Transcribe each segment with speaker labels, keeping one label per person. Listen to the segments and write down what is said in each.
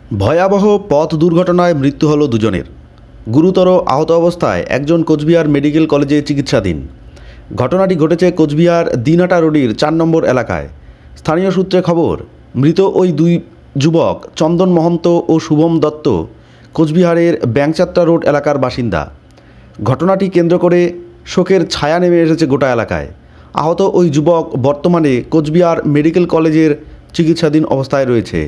Speaker 1: ভয়াবহ পথ দুর্ঘটনায় মৃত্যু হল দুজনের। গুরুতর আহত অবস্থায় একজন কোচবিহার মেডিকেল কলেজে চিকিৎসাধীন। ঘটনাটি ঘটেছে কোচবিহার দিনহাটা রোডের ৪ নম্বর এলাকায়। স্থানীয় সূত্রে খবর, মৃত ওই দুই যুবক চন্দন মহন্ত ও শুভম দত্ত কোচবিহারের ব্যাংচাত্রা রোড এলাকার বাসিন্দা। ঘটনাটি কেন্দ্র করে শোকের ছায়া নেমে এসেছে গোটা এলাকায়। আহত ওই যুবক বর্তমানে কোচবিহার মেডিকেল কলেজের চিকিৎসাধীন অবস্থায় রয়েছে।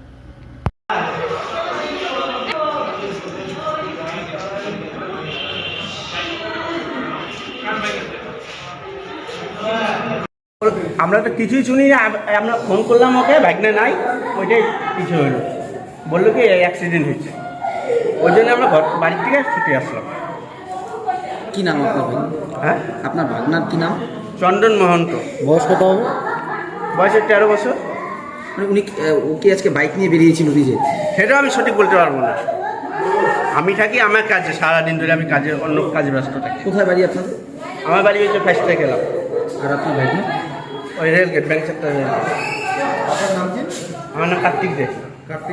Speaker 2: আমরা তো কিছুই শুনি না। আমরা ফোন করলাম ওকে, ভাগনা নাই, ওইটাই কিছু হইলো। বললো কি অ্যাক্সিডেন্ট হয়েছে, ওই জন্য আমরা বাড়ির থেকে ছুটে আসলাম।
Speaker 3: কি নাম আপনার ভাই?
Speaker 2: হ্যাঁ,
Speaker 3: আপনার ভাগনার কি নাম?
Speaker 2: চন্দন মহন্ত।
Speaker 3: বয়স কত হবে?
Speaker 2: বয়সে 13 বছর।
Speaker 3: মানে উনি ও কি আজকে বাইক নিয়ে বেরিয়েছিল নিজে?
Speaker 2: সেটাও আমি সঠিক বলতে পারবো না। আমি থাকি আমার কাজে, সারাদিন ধরে আমি কাজে, অন্য কাজে ব্যস্ত থাকি।
Speaker 3: কোথায় বাড়ি আপনাদের?
Speaker 2: আমার বাড়ি হচ্ছে ফার্স্টে গেলাম,
Speaker 3: আর আপনার ভাগনা?
Speaker 2: ওই রেলগেট, ব্যাংক সেক্টর।
Speaker 3: আপনার নাম কি?
Speaker 2: আমার নাম কার্তিক দে।
Speaker 3: কার্তিক।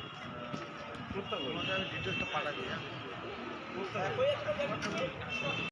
Speaker 2: ডিটেলসটা পাঠাবি।